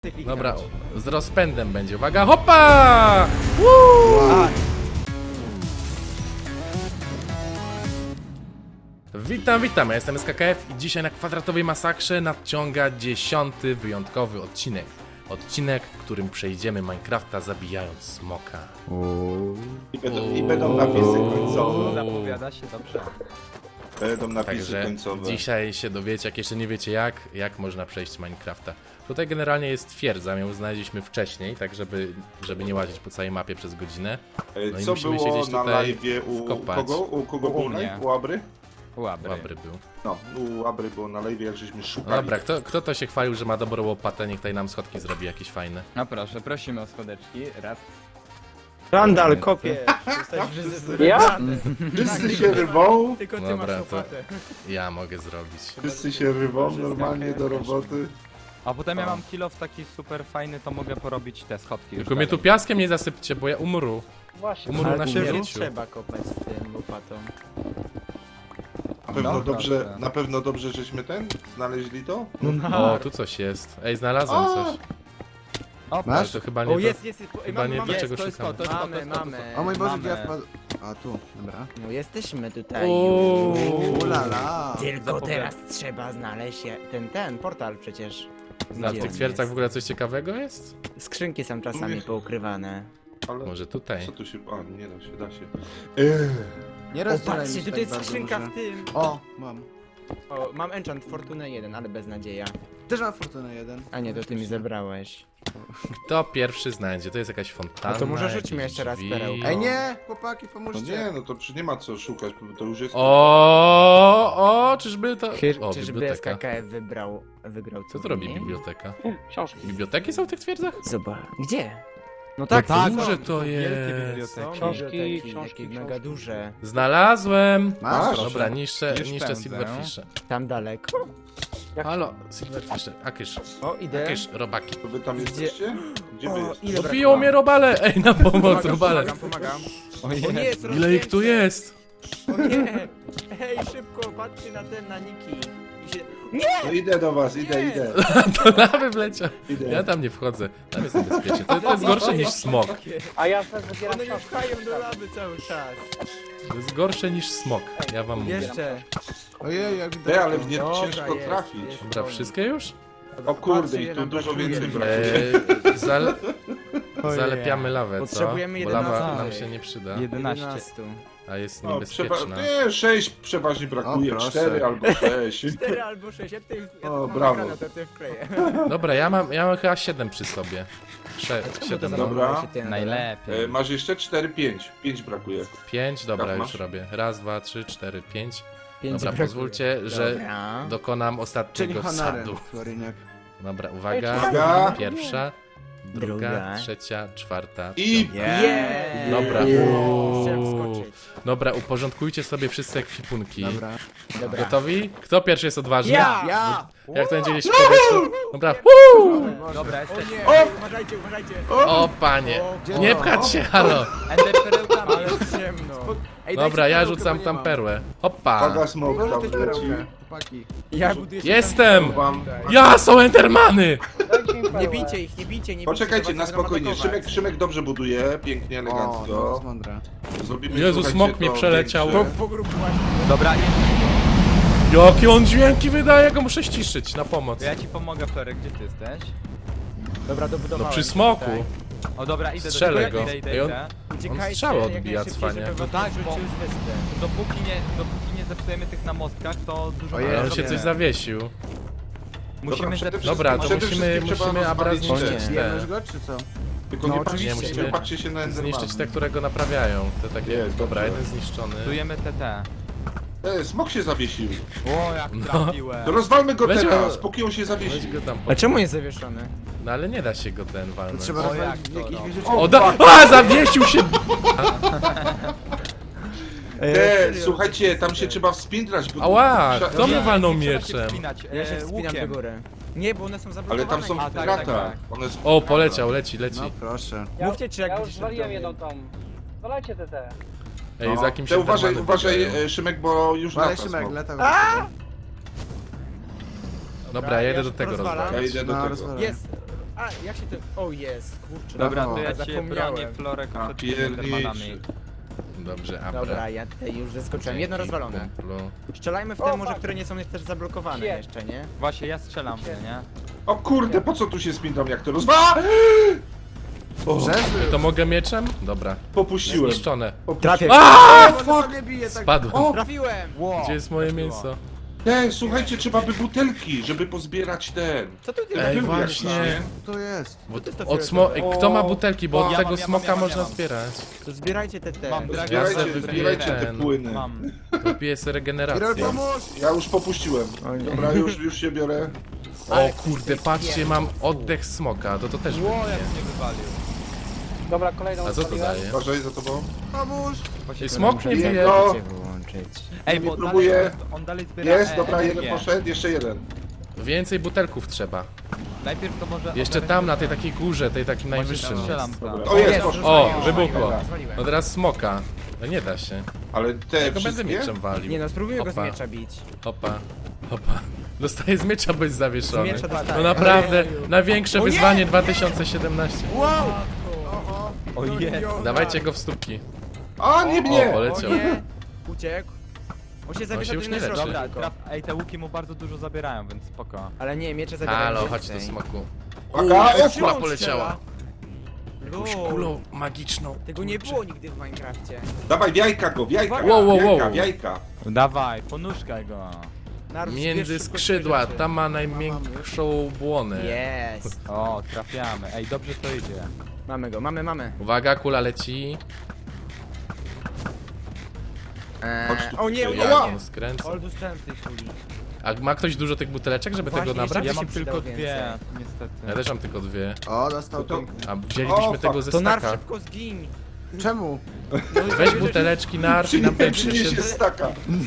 Dobra, z rozpędem będzie. Uwaga, hopa! Woo! Witam, ja jestem SKKF i dzisiaj na kwadratowej masakrze nadciąga 10. wyjątkowy odcinek. Odcinek, w którym przejdziemy Minecrafta zabijając smoka. I będą napisy końcowe. Zapowiada się dobrze. Będą napisy Także końcowe. dzisiaj się dowiecie, jak jeszcze nie wiecie jak można przejść Minecrafta. Tutaj generalnie jest twierdza, ją znaleźliśmy wcześniej, tak żeby nie łazić po całej mapie przez godzinę. No i Co musimy się było gdzieś na tutaj live'ie u wkopać. kogo? U kogo U był mnie. live? U Abry? Łabry. Dobry był. No, u Abry było na live'ie, jak żeśmy No szukali. dobra, kto to się chwalił, że ma dobrą łopatę, niech tutaj nam schodki zrobi jakieś fajne. No proszę, prosimy o schodeczki. Raz. Randall, kopie! Ja? Wszyscy się rwą, Tylko ty Dobra, masz to łopatę. ja mogę zrobić. wszyscy się rwą normalnie do roboty. A potem ja mam kill off taki super fajny, to mogę porobić te schodki. Tylko mnie tu piaskiem nie zasypcie, bo ja umru. Właśnie. Umru na Ale nie śmierciu. trzeba kopać z tym łopatą. Na pewno, No, dobrze, dobrze. na pewno dobrze, żeśmy znaleźli to? O, tu coś jest. Ej, znalazłem coś. O, Ale to chyba nie O, to, jest, chyba nie do czego to jest szukamy. to, to jest to, to Mamy, jest to. mamy. O mój Boże, Mamy. gdzie ja wpadłem? A tu, dobra. No jesteśmy tutaj Uuu. już. Ulala. Tylko Zapowiada- teraz trzeba znaleźć ten portal przecież. A Gdzie w tych on twierdzach jest? w ogóle coś ciekawego jest? Skrzynki są czasami Mówię. poukrywane. Ale Może tutaj. co tu się... A, nie da się, da się. Nie O, rozdzielaj patrzcie, mi się tutaj tak jest bardzo skrzynka duże. w tym. O, mam. O, mam enchant Fortuna 1, ale bez nadzieja. Też mam fortunę jeden. A nie, to ty mi zebrałeś. Kto pierwszy znajdzie? To jest jakaś fontanna. No to może rzućmy jakieś jeszcze raz drzwi. perełkę. Ej nie, chłopaki, No pomóżcie. nie, no to nie ma co szukać, bo to już jest... O, czyżby to... O, Czyżby biblioteka. SKKF wygrał Co tu robi turniej? biblioteka? Książki. Biblioteki są w tych twierdzach? Zobacz. Gdzie? No tak, są. duże to wielkie jest. biblioteki. Są Książki, biblioteki, książki, takie mega książki. duże. Znalazłem! Masz? Dobra, niszczę Już pędzę. silverfishe. Tam daleko. Halo, silverfishe, akysz, O, idę. akysz, robaki. To wy tam jesteście? Gdzie wy O, jesteście? ile Dobiją mnie robale! Ej, na pomoc, robale! Pomagam. O O nie, jest Ile ich tu jest? O nie! Hej, szybko, patrzcie na Niki. I się... No idę do was, idę. To lawy wleciał. Idę. Ja tam nie wchodzę. Tam jest niebezpiecznie. To jest gorsze niż smok. A ja też zbieram One mnie książki. pchają do lawy cały czas. To jest gorsze niż smok. Ja wam mówię. Jeszcze. Ojej, jak Ej, ale w nie Dobra, ciężko jest, trafić. jest. Dobra, wszystkie już? O kurde, Patrzcie, i ile tu nam dużo brakuje. więcej brakuje. Zalepiamy lawę, co? Potrzebujemy Bo lawa 11. nam się nie przyda, 11. a jest No, niebezpieczna. nie, 6 przeważnie brakuje, O, proszę. 4 albo 6. 4 albo 6, ja tutaj O, mam brawo. ekranę, to ty wkleję. Dobra, ja mam chyba 7 przy sobie. 7, Dobra. Najlepiej. Masz jeszcze 4, 5. 5 brakuje. 5, dobra, Tak, już masz? robię. Raz, 2, 3, 4, 5. Pięć Dobra, brakuje. pozwólcie, że Dobra. dokonam Czyli ostatniego honorem, sadu. Floryniak. Dobra, uwaga. Uwaga. Pierwsza, druga, Druga. trzecia, czwarta. I Yeah. Dobra. Chciałem wskoczyć. Dobra, uporządkujcie sobie wszyscy ekwipunki. Dobra. Dobra. Gotowi? Kto pierwszy jest odważny? Ja! Jak to będzie gdzieś w powietrzu? Dobra. Woo! Dobra, O jesteś. nie, uważajcie, uważajcie. O panie! Nie pchać się, halo! Ender perełkami. Ale ciemno. Ej, Dobra, dajcie ja perełkę, rzucam bo tam nie mam. perłę. Hoppa! Paga smok Może tam też leci. perełkę, chłopaki. Ja buduję Jestem! Wam. Ja, są endermany! Dajcie im Nie perłę. bijcie ich, nie bijcie, nie bijcie. Poczekajcie, to na was będą spokojnie. atakować. Szymek dobrze buduje, pięknie, O, no, to elegancko. jest mądre. Zrobimy, Jezu, słuchajcie, smok mnie to przeleciał. większe. Po grubu właśnie. Dobra, Jakie on dźwięki wydaje, go muszę ściszyć na pomoc. to ja ci pomogę, Florek, gdzie ty jesteś? Dobra, No dobudowałem. przy smoku. Tutaj. O dobra, idę Strzelę do go. ciebie, idę, Ej, on- idę. Uciekajcie, strzały jak odbija najszybciej, cwanie. żeby was No tak, wyrzucił z wyspy. Dopóki nie zepsujemy tych na mostkach, to dużo Ojej, Ale on się Dobrze. coś zawiesił. musimy Dobra, zepsuć. Dobra, to Przede musimy wszystkim trzeba Abra rozwalić zniszczyć te. Bijemy te. już go, czy co? Tylko No nie oczywiście. patrzcie, nie patrzcie się na Endermana. Zniszczyć te, które go naprawiają. Te takie, Jest, dobra, dobrze. jeden zniszczony. Budujemy TT. Smok się zawiesił. O, jak trafiłem. To rozwalmy go Weź go. teraz, póki on się Weź zawiesił. go tam A czemu jest zawieszony? No ale nie da się go ten To walnąć. trzeba O, rozwalić jak to, jakieś no. wieżycie. O, zawiesił się! Słuchajcie, tam się trzeba wspinać. Bo Ała, Trza- kto mnie walnął Nie trzeba się mieczem? wspinać, Ja się wspinam do łukiem. góry. Nie, bo one są zablokowane. Ale tam są A, w tak, gratach. tak, One są O, w poleciał, gratach. leci. No proszę. Mówcie, czy jak Ja już będziecie zwaliłem w jedną tą. Zwalajcie te. Ej, za kim Te się uważaj, Endermany uważaj, biegają. Szymek, bo już Ale lata Szymek, smok. lata. Dobra, ja jedę do tego rozwalam. rozwalić. Ja idę do No, tego. rozwalam. Jest. A, jak się to... O, jest, kurczę. Dobra, No, to ja cię zapomniałem. bronię Florek A, przed tymi Endermanami. Dobrze, Abra. Dobra, ja tutaj już zeskoczyłem. Jedno Dzięki, rozwalone. kumplu. Strzelajmy w te może, które nie są też zablokowane Shit. jeszcze, nie? Właśnie, ja strzelam, nie? O kurde, po co tu się spintam, jak to rozwa? O, Przeżył. To mogę mieczem? Dobra. popuściłem. Zniszczone. Trafię. Fuck! Nie bije tak. Spadłem. Trafiłem! Gdzie jest moje mięso? Słuchajcie, trzeba by butelki, żeby pozbierać ten. Co tu ty Ej, Był jak właśnie. nie? To jest. Bo to jest to od kto ma O, butelki, bo od ja tego mam, ja smoka mam, ja można mam. zbierać. To zbierajcie te. Mam Ja Zbierajcie, sobie wypiję zbierajcie te ten. płyny. Mam. Wypiję sobie Irol, regenerację. pomóż! Ja już popuściłem. Dobra, już się biorę. O kurde, patrzcie, mam oddech smoka, to też Ło, jak wypiję. mnie wywalił. Dobra, kolejną A co to odpaliłem. daje? Uważaj za tobą. Pomóż! I smok nie bije. No, Ej, Nie bo próbuję. dalej, on dalej zbiera jest, dobra, energię. jeden poszedł, jeszcze jeden. Więcej butelków trzeba. Najpierw to może... Jeszcze tam, na tej takiej górze, tej takim najwyższym. Strzelam tam. O, jest, poszedł. O, wybuchło. Dobra. No teraz smoka. No nie da się. Ale te Ja go będę wszystkie? mieczem walił. Nie no, spróbujmy go z Hopa. miecza bić. Hopa, hopa. Dostaję z miecza, bo jest Z zawieszony. miecza No dostaję. naprawdę, największe wyzwanie 2017. Wow! O jest. Dawajcie go w stópki. A, nie O, mnie! O poleciał. nie! Uciekł. On się zawiesza już tu nie na leczy. środku Dobra, tylko. ej, te łuki mu bardzo dużo zabierają, więc spoko. Ale nie, miecze zabierają Halo, chodź więcej. tu smoku. Uwaga, Kula ekstra! poleciała. Jakąś Lol. kulą magiczną. Tego nie było nigdy w Minecrafcie. Dawaj, w jajka go, w jajka, Wow, wow, w jajka, wow. w jajka. Dawaj, ponuszkaj go. Naród, Między zbierz szybko skrzydła, swoje rzeczy. tam ma najmiększą błonę. Jest. O, trafiamy. Ej, dobrze to idzie. Mamy go, mamy. Uwaga, kula leci. Chodź tu. O nie, o nie, Ja. o nie. On skręca. Ol, dostałem z tej kuli. A ma ktoś dużo tych buteleczek, żeby Właśnie, tego nabrać? Ja się mam przydał tylko więcej. dwie, niestety. Ja też mam tylko dwie. O, dostał To- to. A wzięliśmy O, tego ze To narw staka. szybko zgiń. Czemu? Weź buteleczki, narw i nam tutaj Przyniesie przyniesie. staka.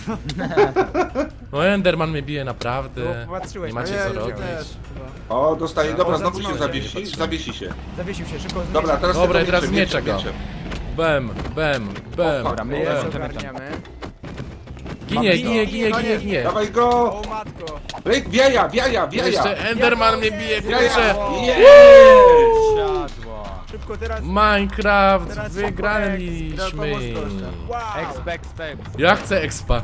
No Enderman mnie bije naprawdę. No, patrzyłeś, Nie macie Nie, co już robić. też. O, dostaje, dobra, O, znowu się zatrzymał się. zawiesi, zawiesi się. Zawiesił się, szybko z Dobra, miecza. teraz Dobra, tylko i teraz mieczem, miecza go. mieczem. Bem, bem, bem. Dobra, my Jest, jest, ogarniamy. Ginie. Dawaj go! O matko. Lejk, w jaja, w jaja, w jaja! Jeszcze Enderman mnie bije, W jaja! kurczę. Jest! Siadło. Szybko teraz. Minecraft, Teraz wygraliśmy. pomóż proszę. Wow. Exp. Ja chcę expa.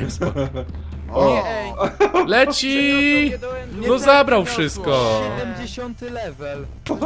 O! Nie, ej. Leci! Nie do endu. No zabrał wszystko. 70 level.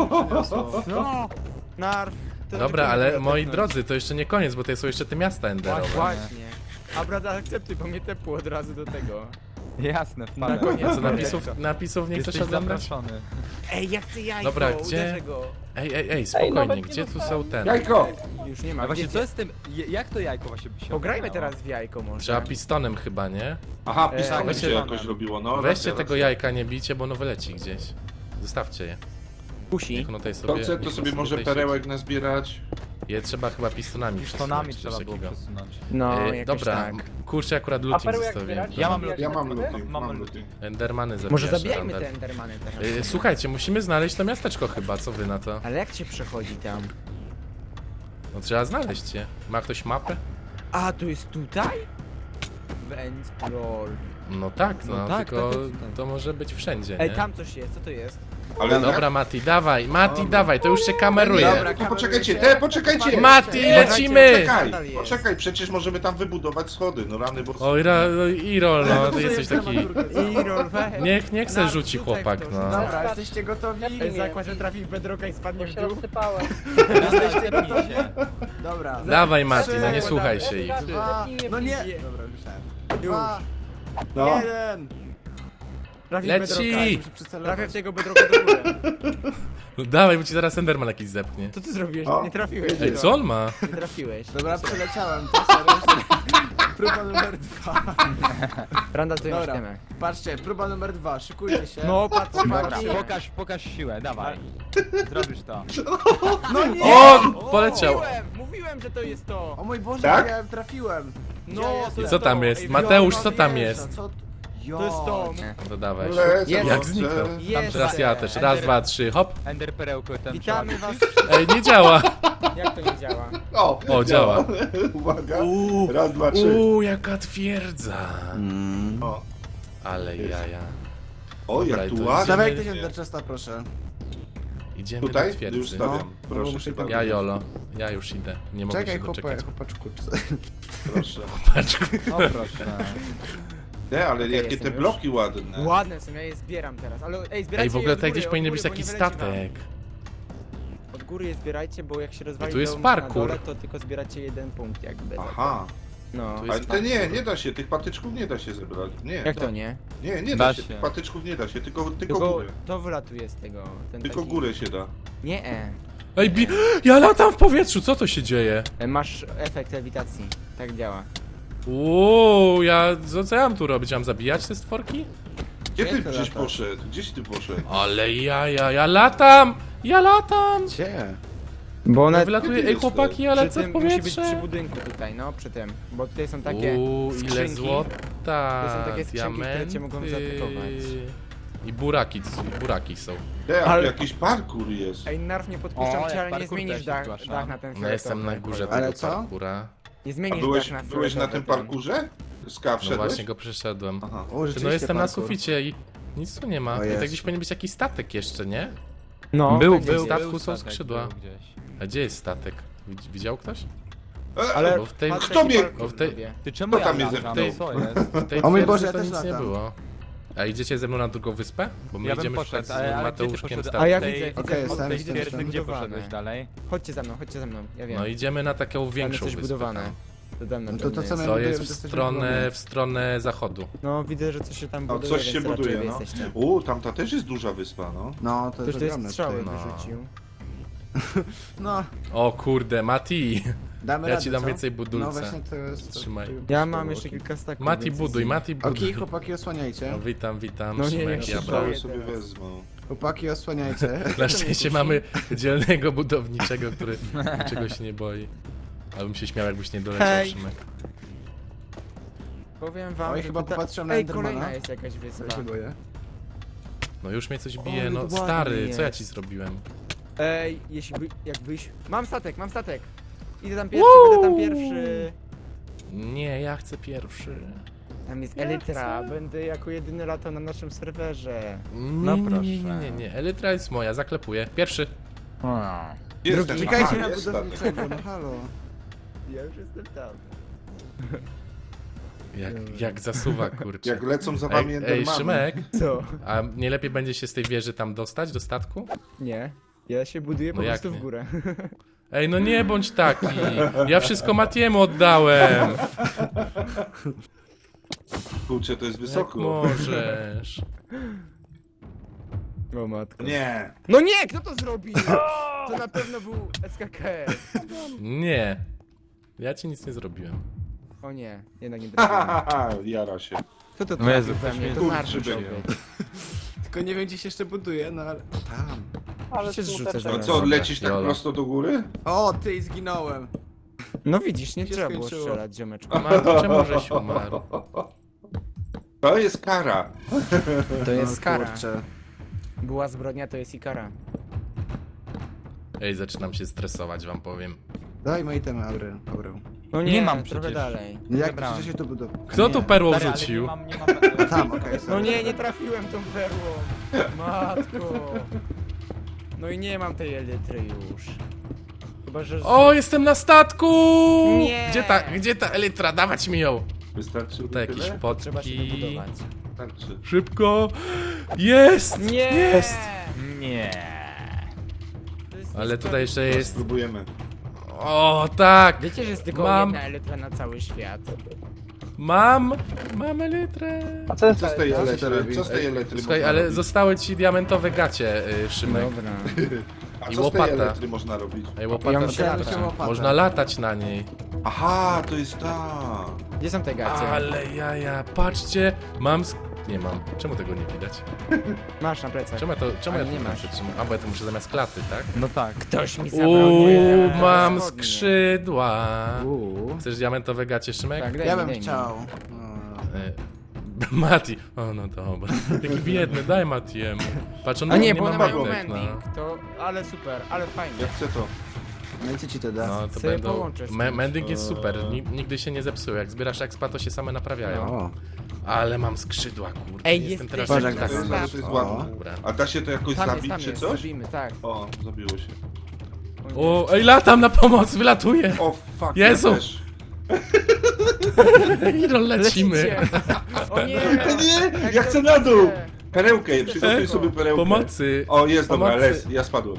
No. Narw. To Dobra, tylko ale nie moi tepnąć. drodzy, to jeszcze nie koniec, bo to są jeszcze te miasta enderowe. Właśnie. A brata, akceptuj, bo mnie tepło od razu do tego. Jasne, Na wpadłem. koniec. Co, napisów nie chcesz Jesteś odebrać? zaproszony. Ej, ja chcę jajko, Dobra, gdzie? uderzę go. Ej, spokojnie, nawet nie gdzie tu są dostałem. ten? Jajko! Już nie ma. A właśnie, gdzie- co jest z tym, jak to jajko właśnie by się Pograjmy ogarniało? teraz w jajko może. Trzeba pistonem chyba, nie? Aha, pistolet weźcie- się jakoś robiło, no. Weźcie racja, tego racja. jajka, nie bijcie, bo ono wyleci gdzieś. Zostawcie je. Kusi. Niech ono tutaj To sobie... chce, to niech sobie może tutaj perełek nazbierać. Je trzeba chyba pistonami Pistonami przesunąć, trzeba coś było takiego. przesunąć. No, E, jakoś dobra, tak. kurczę, akurat A looting perły jak zostawiłem. zbierać? Ja mam Jak Ja mam perły? looting, Mam mam looting. looting. Endermany Może zabijasz, zabijajmy Randall. te endermany teraz. Słuchajcie, musimy znaleźć to miasteczko chyba, co wy na to? Ale jak się przechodzi tam? No trzeba znaleźć je. Ma ktoś mapę? A, to jest tutaj? Vent roll. No tak, no, No tak, tylko tak, tak. to może być wszędzie, Ej, nie? tam coś jest, co to jest? Ale Dobra, Mati, dawaj, Mati, to już się kameruje. Dobra, to poczekajcie, kamerujcie. poczekajcie! Mati, lecimy! Poczekaj, Nadal jest. poczekaj, przecież możemy tam wybudować schody, no rany, bo... Oj, Irol, no, ty jesteś taki... I roll, weź. Niech se Na, rzuci rzucaj w chłopak, to, no. rzucaj. Dobra, jesteście gotowi? Ej, zakład, że trafi w bedrocka i spadnie Bo w się dół. rozsypałem. Zepnij się. Dobra. Dawaj, Mati, no nie słuchaj się ich. Dwa. Zepnij mnie No nie. bliżej. Dobra, myślałem. Już. Dwa. No. Jeden. Trafi w Leci! bedrocka. Muszę przycelować. Trafię w tego bedrocka do góry. No dawaj, bo ci zaraz Enderman jakiś zepnie. Co ty zrobiłeś? O. Nie trafiłeś. Ej, co on ma? Nie trafiłeś. Dobra, przeleciałem, to serio. Próba numer 2. Randall, to już Dobra, wiemy. patrzcie, próba numer 2, szykujcie się. No, patrz, Dobra, Chłopaki. pokaż siłę, dawaj. Zrobisz to. No nie! O, poleciał. Mówiłem, że to jest to. O mój Boże, Tak? ja trafiłem. No, Gdzie to I co tam to. jest? Ej, Mateusz, Jona co tam wjeżdża, jest? co- To jest to. No to dawaj. Lecę, Jest. Jak dobrze. zniknął. Jest. Teraz ja też. Raz, dwa, trzy, hop. Ender perełko tam Witamy trzeba- was. Ej, nie działa. Jak to nie działa? O, działa. Uwaga. Raz, dwa, trzy. Jaka twierdza. O, Ale jaja. o Dobra, jak i tu to ładnie. Dawaj ktoś Enderchesta, proszę. Idziemy Tutaj? do Już twierdzy. stawiam. No, Proszę muszę cię tam- Ja Jolo, ja już idę. Nie mogę Czekaj, się doczekać. chłopaczku. Proszę. Paczku. O proszę. Nie, ale Okej, jakie te jestem już. bloki ładne. Ładne są, ja je zbieram teraz, ale ej, zbierajcie Ej, w ogóle je od tutaj góry, gdzieś od powinien góry, być bo taki nie wyleci wam. statek. Od góry je zbierajcie, bo jak się rozwali tu jest dom parkour. na dole, to tylko zbieracie jeden punkt jakby. Aha. No. Tu jest Ale te nie da się, tych patyczków nie da się zebrać. Nie. Jak to nie? Nie Da da się, się. tych patyczków nie da się, tylko Tylko górę. to wylatuje z tego. Ten Tylko taki... górę się da. Nie, Ej, ja latam w powietrzu, co to się dzieje? masz efekt lewitacji. Tak działa. Uuu, co ja mam tu robić? Mam zabijać te stworki? Gdzie ty to gdzieś lata? poszedł? Gdzieś ty poszedł? Ale ja latam! Ja latam! Gdzie? Bo Ja one wylatuję, ty ej chłopaki, ja przy lecę w tym musi być powietrze! przy budynku tutaj, no przy tym. Bo tutaj są takie Uuu, ile skrzynki. złota! To są takie skrzynki, które cię mogą diamenty. zaatakować. I buraki są. Te, Ale- jakiś parkour jest. Ej, narw nie podpuszczam O, cię, jak ale nie parkour zmienisz też dach zgłaszam. na ten No jestem na górze Ale tego co? parkura. Nie A zmienisz byłeś dach na na tym fioletowy, parkurze? No Wszedłeś? właśnie go przeszedłem. Aha. O, No rzeczywiście jestem na parkour. suficie i nic tu nie ma. O I tak jest. gdzieś powinien być jakiś statek jeszcze, nie? No, Był, będzie był, gdzieś. statku był są statek, skrzydła. był gdzieś. A gdzie jest statek? Widział ktoś? Ale Bo w tej- patrz, Kto jaki mnie- parkour bo w tej- robię. Ty czemu Kto ja tam mnie latam? zepchnął? Co jest? W tej O mój twierdzy Boże, ja to też nic nie latam. było. A idziecie ze mną na drugą wyspę? Bo my Ja bym idziemy poszedł, szukać z ale gdzie ty Mateuszkiem poszedłeś? statku. A ja Od tej- widzę, Okej, widzę, jestem, Od tej jestem, twierdzy jestem. gdzie Budowane. poszedłeś dalej? Chodźcie za mną, ja wiem. No idziemy na taką Tam większą jest coś wyspę. budowane. tam. To tam na No to pewno co jest. my- To budujemy, jest to w jesteśmy stronę, w stronę zachodu. No widzę, że coś się tam No buduje, coś się więc raczej buduje, wy no. jesteście. Tamta też jest duża wyspa, no. No, to Ktoś jest tu jest ogromne strzały tutaj. No. wyrzucił. No, O kurde, Mati! damy Ja radę, ci dam co? więcej budulca. No właśnie to jest... Trzymaj. Ja mam jeszcze kilka staków. Mati więc buduj, easy. Mati buduj. Okej, chłopaki, osłaniajcie. No, witam, No nie, Szymek, nie, ja nie, brałem. Strzały sobie wezmą. Chłopaki, osłaniajcie. Na szczęście mamy dzielnego budowniczego, który niczego się nie boi. Abym się śmiał, jakbyś nie doleciał, Hej. Szymek. Powiem wam, Oj, że chyba tutaj- popatrzyłem na Ej, Endermana. kolejna jest jakaś wyspa. Ja się boję. No już mnie coś O, bije, ale no ładnie stary, co ja jest. ci zrobiłem? Ej, jakbyś... Mam statek! Idę tam pierwszy, będę tam pierwszy. Nie, ja chcę pierwszy. Tam jest Elytra, będę jako jedyny latał na naszym serwerze. No proszę. nie, Elytra jest moja, zaklepuję. Pierwszy. Gdzie jest ten? Czekajcie Aha, na jest statek. budowniczego, no halo. Ja już jestem tam. Jak zasuwa, kurczę. Jak lecą za wami Ej, Endermany. Szymek, Co? a nie lepiej będzie się z tej wieży tam dostać, do statku? Nie. Ja się buduję No po jak prostu nie? w górę. Ej, no nie bądź taki. Ja wszystko Matiemu oddałem. Kurczę, to jest Jak wysoko. możesz? O matko. Nie. No nie, kto to zrobił? To na pewno był SKKF. Nie. Ja ci nic nie zrobiłem. O nie, jednak nie Ha, trafiłem. ha, ha, jara się. Kto to No Jezu, trafił we ktoś mnie? mnie To kurczy Marcin musiał będzie. być. Tylko nie wiem, gdzie się jeszcze buduje, no ale... Tam. Ale się super zrzucasz ten- No co, Dobra, lecisz tak jolo. prosto do góry? O, ty, zginąłem. No widzisz, nie Się trzeba było skończyło. strzelać, ziomeczku. Mati, czemu żeś umarł? To jest kara. To jest No, kara. kurczę. Była zbrodnia, to jest i kara. Ej, zaczynam się stresować, wam powiem. Daj moje itemy, Aurel. No Nie mam trochę przecież. dalej. Jak Zebrałem. chcecie się tu budować? Kto Nie. tu perło Stary, ale rzucił? nie mam... Tam, okej, No sorry. nie trafiłem tą perłą. Matko. No i nie mam tej elitry już. Chyba, że... O, jestem na statku! Nie. Gdzie ta elytra? Dawać mi ją! Wystarczy Tutaj tyle? jakieś Trzeba się potki. wybudować. Wystarczy. Szybko! Jest! Nie! Jest! Nie. To jest Ale tutaj jeszcze jest... Spróbujemy. O, tak! Wiecie, że jest tylko Mam- jedna elitra na cały świat. Mam elytrę! A co jest Co z tej Co elektry? robi? Co z tej elektry Słuchaj, można ale robić? zostały ci diamentowe gacie, Szymek. Dobra. A i co z tej łopata. elektry można robić? Ej, łopata Ja to myślałem, lata. że łopata. Można latać na niej. Aha, to jest ta. Gdzie są te gacie? Ale jaja, patrzcie, mam... Nie mam. Czemu tego nie widać? Masz na plecach. Czemu Ale ja nie to masz. przytrzymam? A, bo ja to muszę zamiast klaty, tak? No tak. Ktoś mi zabrał Uuu, moje mam spodnie. skrzydła. Uuu. Chcesz diamentowe gacie, Szymek? Tak, daj Ja mi, bym daj mi. chciał. No. Mati. O, no dobra. Taki biedny, daj Matiemu. Patrz, on A nie, nie bo ma one mają majtek, no. mending. To, ale super, ale fajnie. Ja chcę to. No i co ci to da? No, to Sobie będą... połączę z kimś. Mending jest super, nigdy się nie zepsuł. Jak zbierasz expa, to się same naprawiają. O. Ale mam skrzydła, kurde. Ej, jestem jest teraz Boże, jak jak tak. tak. To jest ładne. Dobra. A da się to jakoś Tam zabić czy jest, coś? zabijmy, tak. O, zabiło się. O, ej, latam na pomoc, wylatuję. O, fuck, Jezu! ja też. Irol, lecimy. Lecicie. O nie! Nie, ja chcę na dół! Perełkę, przygotuj sobie perełkę. Pomocy. O, jest, dobra, Pomocy. ja spadłem.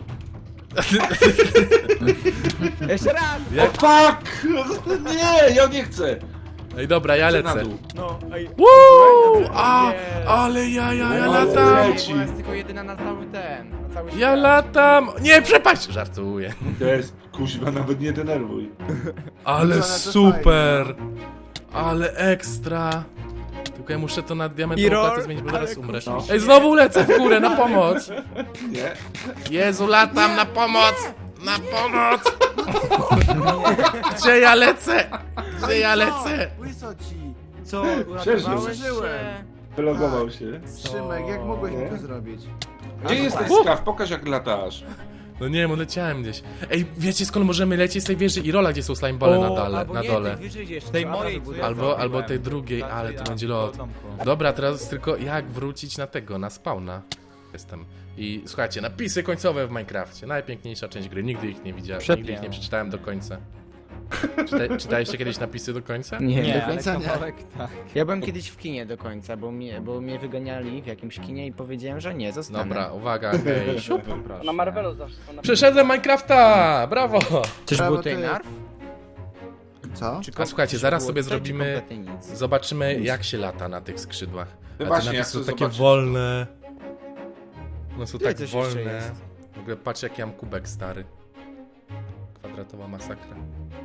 Jeszcze raz! O, fuck! Nie, ja nie chcę! Ej, dobra, ja Chcę na lecę. dół. No, ej. Woo! A, Nie. ale ja Ale latam. leci. Ona jest tylko jedyna na cały ten, na cały Ja świat. latam. Nie, przepaść. Żartuję. To jest, kuźwa, nawet nie denerwuj. Ale to super. Ale ekstra. Tylko ja muszę to na diamentową Irol, klatę zmienić, bo zaraz ale umrę. kurczę. Ej, znowu lecę w górę, na pomoc. Nie? Jezu, latam, na pomoc. Na pomoc. Gdzie ja lecę? Gdzie ja lecę? Łyso ci! Co, Przeżył. uratowałeś się? Wylogował się. Szymek, jak mogłeś mi Nie? to zrobić? Gdzie jesteś, Skaw? Pokaż jak latasz. No nie wiem, leciałem gdzieś. Ej, wiecie skąd możemy lecieć z tej wieży Irola, gdzie są slimebole na dole? Albo Na nie, dole. tej wyżej jeszcze Tej trzeba mojej, wybudować. co ja Albo zrobiłem. tej drugiej, Tak, ale ja. to będzie lot. Domku. Dobra, teraz tylko jak wrócić na tego, na spawna. Jestem. I słuchajcie, napisy końcowe w Minecrafcie. Najpiękniejsza część gry, nigdy ich nie widziałem, nigdy ich nie przeczytałem do końca. Czytaliście kiedyś napisy do końca? Nie, Nie, do ale końca nie. kawałek tak. Ja byłem kiedyś w kinie do końca, bo mnie wyganiali w jakimś kinie i powiedziałem, że nie, zostanę. Dobra, uwaga, hej, siup. Na Marvelu zawsze są na Przeszedłem Minecrafta! Brawo! Czyż Brawo, był tutaj ty. narw? Co? Czy A słuchajcie, czy zaraz było sobie tutaj, czy zrobimy- kompletnie nic? Zobaczymy jak się lata na tych skrzydłach. No A te właśnie, ja napisy chcę są takie zobaczyć. wolne. One są Tutaj tak coś jeszcze wolne. jest. W ogóle patrz jaki mam kubek stary. Kwadratowa masakra.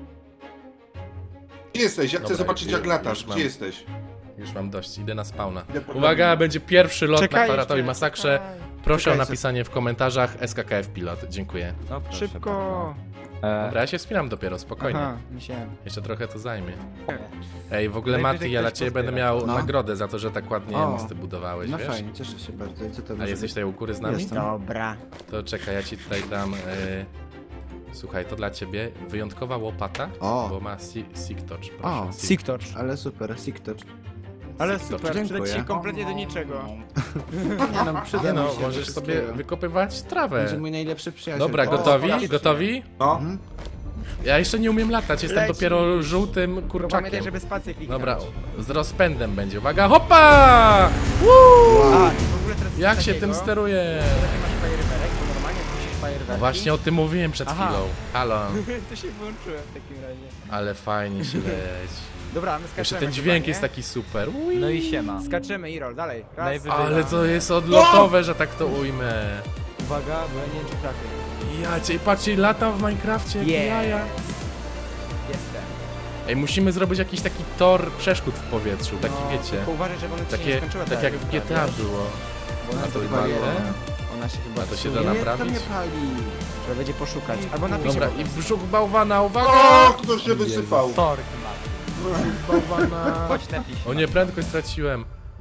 Gdzie jesteś? Ja chcę Dobra, zobaczyć jak już latasz. mam. Gdzie jesteś? Już mam dość, idę na spawna. Idę po Uwaga, drabinę. będzie pierwszy lot na Czekaj kwadratowej jeszcze, masakrze. czekaj. Proszę Czekaj, o napisanie w komentarzach SKKF Pilot. Dziękuję. No, proszę Szybko! Dobra, ja się wspinam dopiero, spokojnie. Aha, myślałem. Jeszcze trochę to zajmie. Ej, w ogóle Najwyżej Mati, ja dla ktoś ciebie będę pozbiera. miał No. nagrodę za to, że tak ładnie O. mosty budowałeś, No wiesz? fajnie, cieszę się bardzo. I co to A może jesteś być? tutaj u góry z nami? Jestem. Dobra. To czekaj, ja ci tutaj dam... Słuchaj, to dla ciebie wyjątkowa łopata, O. bo ma Seek Touch, O. proszę. Siktorz. Ale super, Siktoch. Ale Siktorz. super, przyda ci Dziękuję. się kompletnie do niczego. Nie no, przyda Nie mi no, się możesz do sobie wszystkiego. wykopywać trawę. Będzie mój najlepszy przyjaciel. Dobra, O, gotowi? właśnie. Gotowi? No. Mhm. Ja jeszcze nie umiem latać, jestem Leci. dopiero żółtym Tylko kurczakiem. pamiętaj, żeby spację kliknąć. Dobra, z rozpędem będzie. Uwaga, hopa! A, i w ogóle teraz Jak coś się takiego, tym steruje? że nie masz fajerwerek, bo normalnie jak musisz fajerwerki... No właśnie o tym mówiłem przed Aha. chwilą. Halo, To się włączyłem w takim razie. ale fajnie się leci. Dobra, my skaczemy Jeszcze ten chyba, dźwięk nie? jest taki super. Ui. No i siema. Skaczemy, Irol, dalej. Raz. Najwyżej. Ale to jest odlotowe, że tak to ujmę. Uwaga, bo ja nie wiem, czy trafię. Ja cię, patrzcie, latam w Minecrafcie, jak Yeah. jaja. Jestem. Ej, musimy zrobić jakiś taki tor przeszkód w powietrzu, taki No, wiecie. tylko uważaj, żeby ona ci się nie Takie, skończyła tak jak w GTA było. Bo ona A to to chyba paliło. Ona się chyba A to się psuje. da Nie, naprawić? to mnie pali. Trzeba będzie poszukać. Albo napisz. Dobra, i brzuch bałwana, uwaga! O, ktoś się wysypał. Sorry, Matt. Bałwana. Chodź napisz. O nie, prędkość straciłem.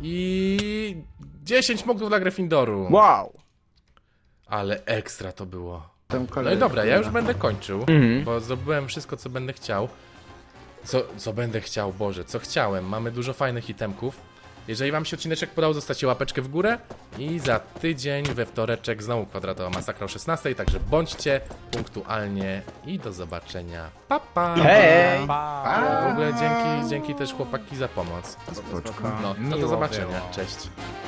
I 10 punktów dla Gryffindoru. Wow! Ale ekstra to było. Tam No kolej. i dobra, ja już będę kończył, Mhm. bo zdobyłem wszystko, co będę chciał. Co będę chciał, Boże, co chciałem. Mamy dużo fajnych itemków. Jeżeli wam się odcineczek podobał, zostawcie łapeczkę w górę i za tydzień we wtoreczek znowu kwadratowa masakra o 16, także bądźcie punktualnie i do zobaczenia. Pa, pa! Hej! Pa. W ogóle dzięki też chłopaki za pomoc. Spoczko. No, to do Miło zobaczenia. było. Cześć.